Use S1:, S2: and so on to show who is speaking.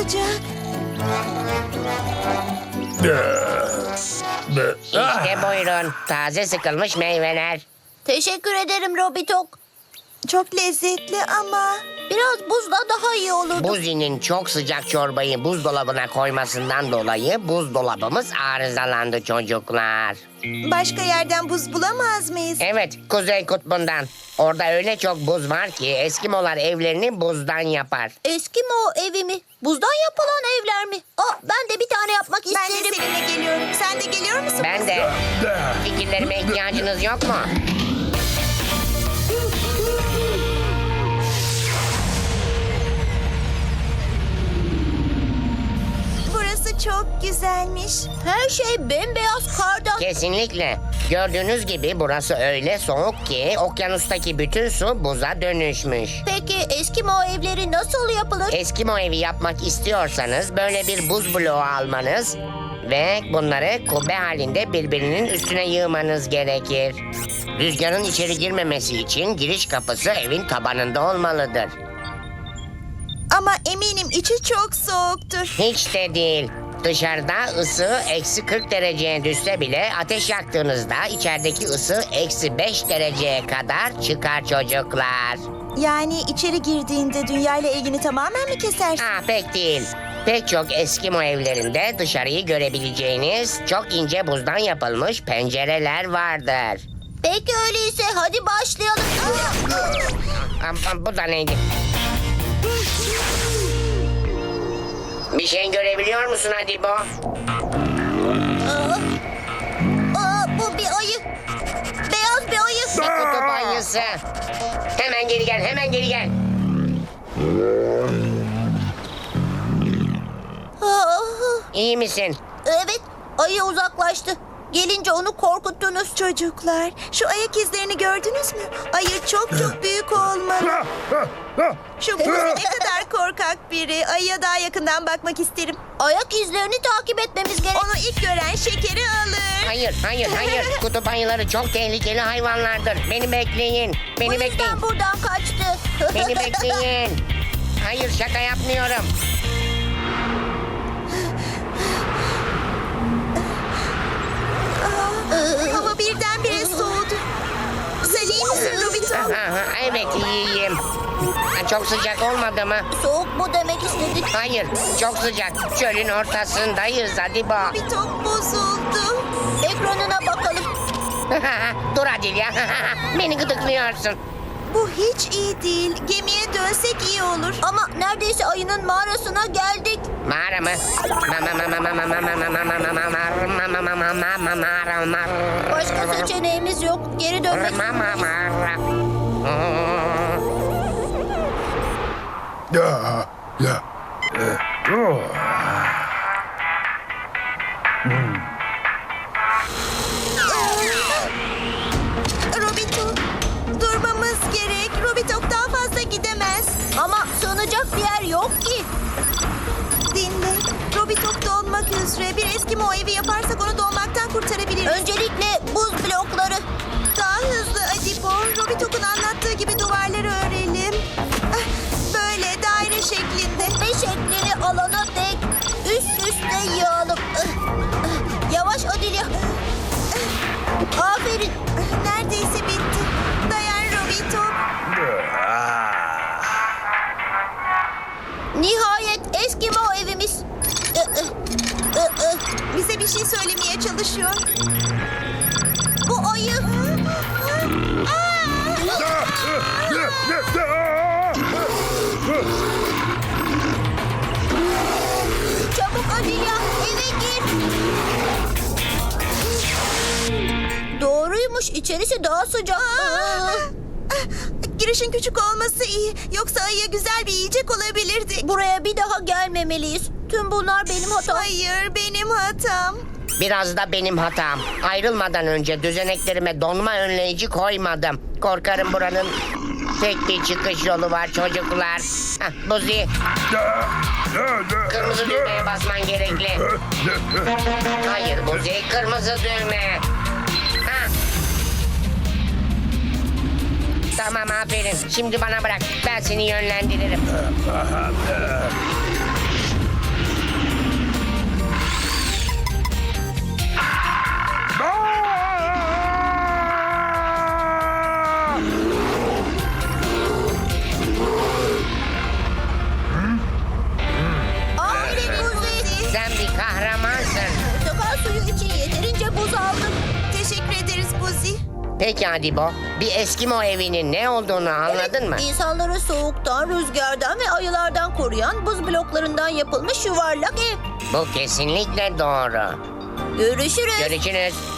S1: olacak?
S2: İşte buyurun. Taze sıkılmış meyveler.
S3: Teşekkür ederim Robitok.
S1: Çok lezzetli ama...
S3: Biraz buzla daha iyi olurdu.
S2: Buzi'nin çok sıcak çorbayı buzdolabına koymasından dolayı buzdolabımız arızalandı çocuklar.
S1: Başka yerden buz bulamaz mıyız?
S2: Evet, Kuzey Kutbu'ndan. Orada öyle çok buz var ki Eskimolar evlerini buzdan yapar.
S3: Eskimo evi mi? Buzdan yapılan evler mi? Ben de bir tane yapmak
S1: Ben de
S3: isterim.
S1: seninle geliyorum. Sen de geliyor musun?
S2: Ben de. Fikirlerime ihtiyacınız yok mu?
S1: Burası çok güzelmiş.
S3: Her şey bembeyaz kardan.
S2: Kesinlikle. Gördüğünüz gibi burası öyle soğuk ki okyanustaki bütün su buza dönüşmüş.
S3: Peki Eskimo evleri nasıl yapılır?
S2: Eskimo evi yapmak istiyorsanız böyle bir buz bloğu almanız ve bunları kubbe halinde birbirinin üstüne yığmanız gerekir. Rüzgarın içeri girmemesi için giriş kapısı evin tabanında olmalıdır.
S1: Ama eminim içi çok soğuktur.
S2: Hiç de değil. Dışarıda ısı eksi 40 dereceye düşse bile ateş yaktığınızda içerideki ısı eksi 5 dereceye kadar çıkar çocuklar.
S1: Yani içeri girdiğinde dünyayla ilgini tamamen mi kesersin?
S2: Pek değil. Pek çok Eskimo evlerinde dışarıyı görebileceğiniz çok ince buzdan yapılmış pencereler vardır.
S3: Peki öyleyse hadi başlayalım.
S2: Bu da neydi? Bir şey görebiliyor musun Adibo?
S3: Bu bir ayı. Beyaz bir ayı.
S2: Kutup ayısı. Hemen geri gel, hemen geri gel. İyi misin?
S3: Evet, ayı uzaklaştı. Gelince onu korkuttunuz.
S1: Çocuklar, şu ayak izlerini gördünüz mü? Ayı çok çok büyük olmalı. Şu buz ne kadar korkak biri. Ayıya daha yakından bakmak isterim.
S3: Ayak izlerini takip etmemiz gerek.
S1: Onu ilk gören şekeri alır.
S2: Hayır, hayır, hayır. Kutup ayıları çok tehlikeli hayvanlardır. Beni bekleyin.
S3: Bu
S2: Beni
S3: yüzden
S2: bekleyin.
S3: buradan kaçtı.
S2: Beni bekleyin. Hayır, şaka yapmıyorum.
S1: Hava birdenbire soğudu. Sen iyi misin Robiton?
S2: Evet, iyiyim. Çok sıcak olmadı mı?
S3: Soğuk mu demek istedik?
S2: Hayır, çok sıcak. Çölün ortasındayız Adibo.
S1: Robiton bozuldu.
S3: Ekranına bakalım.
S2: Dur Adil ya. Beni gıdıklıyorsun.
S1: Bu hiç iyi değil. Gemiye dönsek iyi olur.
S3: Ama neredeyse ayının mağarasına geldik.
S2: Mağara mı?
S3: Başka seçeneğimiz yok. Geri dönmek zorundayız.
S1: Robiton, durmamız gerek. Robiton daha fazla gidemez.
S3: Ama sığınacak bir yer yok ki.
S1: Dinle. Robiton donmak üzere. Bir Eskimo evi yaparsak onu donmaktan kurtarabiliriz.
S3: Öncelikle buz blokları.
S1: Daha hızlı Adibo. Robiton'un anlattığı gibi duvarları örelim. Böyle daire şeklinde.
S3: Ve şeklini alana dek üst üste yığalım. Yavaş Adilya. Aferin.
S1: Neredeyse bitti. Dayan Robiton.
S3: Nihayet Eskimo evimiz.
S1: Bize bir şey söylemeye çalışıyor.
S3: Bu ayı. Çabuk Adilya eve gir. Doğruymuş, içerisi daha sıcak.
S1: Girişin küçük olması iyi. Yoksa ayıya güzel bir yiyecek olabilirdi.
S3: Buraya bir daha gelmemeliyiz. Tüm bunlar benim hatam.
S1: Hayır, benim hatam.
S2: Biraz da benim hatam. Ayrılmadan önce düzeneklerime donma önleyici koymadım. Korkarım buranın tek bir çıkış yolu var çocuklar. Buzi, kırmızı düğmeye basman gerekli. Hayır Buzi, kırmızı düğme. Tamam aferin. Şimdi bana bırak. Ben seni yönlendiririm. Peki Adibo, bir Eskimo evinin ne olduğunu anladın mı?
S3: İnsanları soğuktan, rüzgardan ve ayılardan koruyan buz bloklarından yapılmış yuvarlak ev.
S2: Bu kesinlikle doğru.
S3: Görüşürüz.
S2: Görüşürüz.